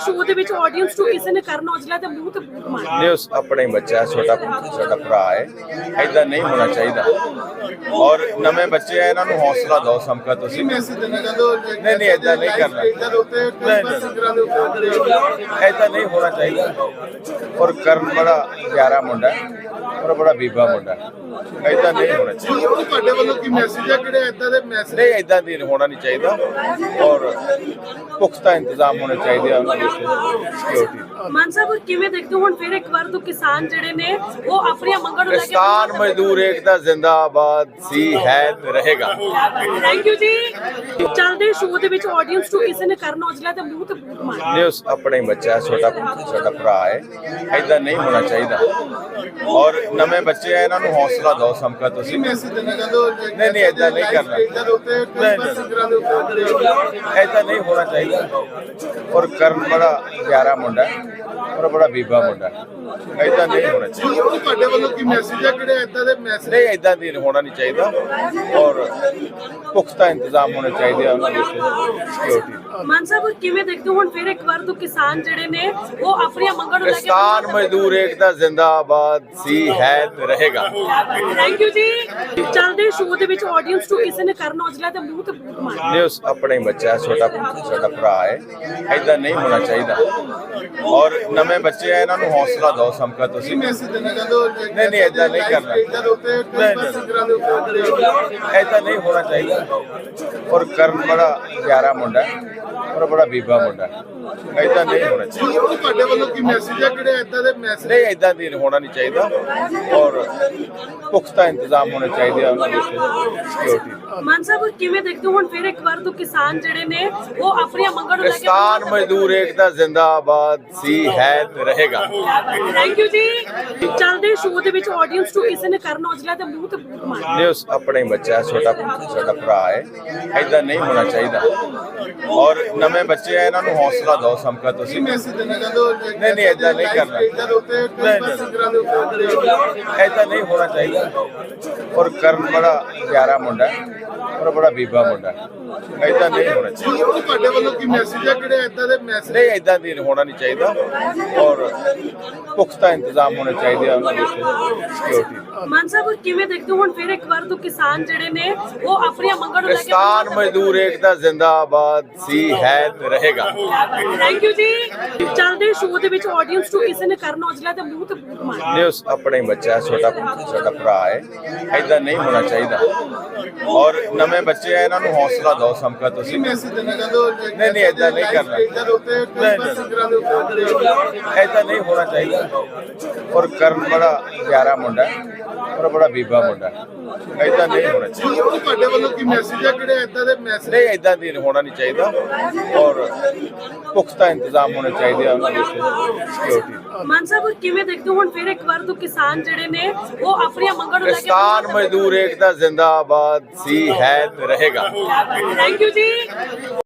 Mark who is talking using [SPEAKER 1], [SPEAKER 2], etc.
[SPEAKER 1] Show ਦੇ ਵਿੱਚ audience ਨੂੰ ਕਿਸੇ ਨੇ ਕਰਨ ਔਜਲਾ ਦੇ ਮੂੰਹ ਤੇ ਬੂਟ ਮਾਰਿਆ।
[SPEAKER 2] नहीं उस अपना ही बच्चा है, छोटा भरा है, ऐदा नहीं होना चाहिए। और नवे बच्चे हैं, इन्होंने हौसला दो समका तुसी। नहीं ऐदा नहीं करना, ऐदा नहीं होना चाहिए। और करण बड़ा प्यारा मुंडा है और बड़ा बीबा मुंडा है, ऐदा नहीं होना चाहिए। नहीं ऐदा नहीं होना नहीं चाहिए। और पुख्ता इंतजाम होने चाहिए उन्होंने सिक्योरिटी।
[SPEAKER 1] ਮਾਨ ਸਾਹਿਬ ਕਿਵੇਂ ਦੇਖਦੇ ਹੋ ਹੁਣ ਫਿਰ ਇੱਕ ਵਾਰ ਤੋਂ ਕਿਸਾਨ ਜਿਹੜੇ ਨੇ ਉਹ ਆਪਣੀਆਂ ਮੰਗਾਂ ਨੂੰ ਲੈ ਕੇ
[SPEAKER 2] किसान मजदूर एकता जिंदाबाद सी है ते रहेगा।
[SPEAKER 1] ਥੈਂਕ ਯੂ ਜੀ। ਚੱਲਦੇ ਸ਼ੋਅ ਦੇ ਵਿੱਚ ਆਡੀਅנס ਨੂੰ ਕਿਸੇ ਨੇ ਕਰਨ ਔਜਲਾ ਦੇ ਮੂੰਹ ਤੇ ਬੂਟ ਮਾਰਿਆ।
[SPEAKER 2] नहीं उस अपना ही बच्चा है, छोटा भरा है, ऐदा नहीं होना चाहिए। और नवे बच्चे हैं, इन्होंने हौसला दो समका तुसी। नहीं ऐदा नहीं करना, ऐदा नहीं होना चाहिए। और करण बड़ा प्यारा मुंडा है और बड़ा बीबा मुंडा है, ऐदा नहीं होना चाहिए। नहीं ऐदा नहीं होना नहीं चाहिए। और पुख्ता इंतजाम होने चाहिए उन्होंने सिक्योरिटी।
[SPEAKER 1] ਮਾਨ ਸਾਹਿਬ ਕਿਵੇਂ ਦੇਖਦੇ ਹੋ ਹੁਣ ਫਿਰ ਇੱਕ ਵਾਰ ਤੋਂ ਕਿਸਾਨ ਜਿਹੜੇ ਨੇ ਉਹ ਆਪਣੀਆਂ ਮੰਗਾਂ ਨੂੰ ਲੈ ਕੇ
[SPEAKER 2] किसान मजदूर एकता जिंदाबाद सी है ते रहेगा।
[SPEAKER 1] ਥੈਂਕ ਯੂ ਜੀ। ਚੱਲਦੇ ਸ਼ੋਅ ਦੇ ਵਿੱਚ ਆਡੀਅנס ਨੂੰ ਕਿਸੇ ਨੇ ਕਰਨ ਔਜਲਾ ਦੇ ਮੂੰਹ ਤੇ ਬੂਟ ਮਾਰਿਆ।
[SPEAKER 2] नहीं उस अपना ही बच्चा है, छोटा भरा है, ऐदा नहीं होना चाहिए। और नवे बच्चे हैं, इन्होंने हौसला दो समका तुसी। नहीं ऐदा नहीं करना, ऐदा नहीं होना चाहिए। और करण बड़ा प्यारा मुंडा है और बड़ा बीबा मुंडा है, ऐदा नहीं होना चाहिए। नहीं ऐदा नहीं होना नहीं चाहिए। और पुख्ता इंतजाम होने चाहिए उन्होंने सिक्योरिटी।
[SPEAKER 1] ਮਾਨ ਸਾਹਿਬ ਕਿਵੇਂ ਦੇਖਦੇ ਹੋ ਹੁਣ ਫਿਰ ਇੱਕ ਵਾਰ ਤੋਂ ਕਿਸਾਨ ਜਿਹੜੇ ਨੇ ਉਹ ਆਪਣੀਆਂ ਮੰਗਾਂ ਨੂੰ ਲੈ ਕੇ
[SPEAKER 2] किसान मजदूर एकता जिंदाबाद सी है ते रहेगा।
[SPEAKER 1] ਥੈਂਕ ਯੂ ਜੀ। ਚੱਲਦੇ ਸ਼ੋਅ ਦੇ ਵਿੱਚ ਆਡੀਅנס ਨੂੰ ਕਿਸੇ ਨੇ ਕਰਨ ਔਜਲਾ ਦੇ ਮੂੰਹ ਤੇ ਬੂਟ ਮਾਰਿਆ।
[SPEAKER 2] नहीं उस अपना ही बच्चा है, छोटा भरा है, ऐदा नहीं होना चाहिए। और नवे बच्चे हैं, इन्होंने हौसला दो समका तुसी। नहीं ऐदा नहीं करना, ऐदा नहीं होना चाहिए। और करण बड़ा प्यारा मुंडा है और बड़ा बीबा मुंडा है, ऐदा नहीं होना चाहिए। नहीं ऐदा नहीं होना नहीं चाहिए। और पुख्ता इंतजाम होने चाहिए उन्होंने सिक्योरिटी।
[SPEAKER 1] ਮਾਨ ਸਾਹਿਬ ਕਿਵੇਂ ਦੇਖਦੇ ਹੋ ਹੁਣ ਫਿਰ ਇੱਕ ਵਾਰ ਤੋਂ ਕਿਸਾਨ ਜਿਹੜੇ ਨੇ ਉਹ ਆਪਣੀਆਂ ਮੰਗਾਂ ਨੂੰ ਲੈ ਕੇ
[SPEAKER 2] किसान मजदूर एकता जिंदाबाद सी है ते रहेगा।
[SPEAKER 1] ਥੈਂਕ ਯੂ ਜੀ। ਚੱਲਦੇ ਸ਼ੋਅ ਦੇ ਵਿੱਚ ਆਡੀਅנס ਨੂੰ ਕਿਸੇ ਨੇ ਕਰਨ ਔਜਲਾ ਦੇ ਮੂੰਹ ਤੇ ਬੂਟ ਮਾਰਿਆ।
[SPEAKER 2] नहीं उस अपना ही बच्चा है, छोटा भरा है, ऐदा नहीं होना चाहिए। और नवे बच्चे हैं, इन्होंने हौसला दो समका तुसी। नहीं ऐदा नहीं करना, ऐदा नहीं होना चाहिए। और करण बड़ा प्यारा मुंडा है और बड़ा बीबा मुंडा है, ऐदा नहीं होना चाहिए। नहीं ऐदा नहीं होना नहीं चाहिए। और पुख्ता इंतजाम होने चाहिए उन्होंने सिक्योरिटी।
[SPEAKER 1] ਮਾਨ ਸਾਹਿਬ ਕਿਵੇਂ ਦੇਖਦੇ ਹੋ ਹੁਣ ਫਿਰ ਇੱਕ ਵਾਰ ਤੋਂ ਕਿਸਾਨ ਜਿਹੜੇ ਨੇ ਉਹ ਆਪਣੀਆਂ ਮੰਗਾਂ ਨੂੰ ਲੈ ਕੇ
[SPEAKER 2] किसान मजदूर एकता जिंदाबाद सी है ते रहेगा।
[SPEAKER 1] ਥੈਂਕ ਯੂ ਜੀ।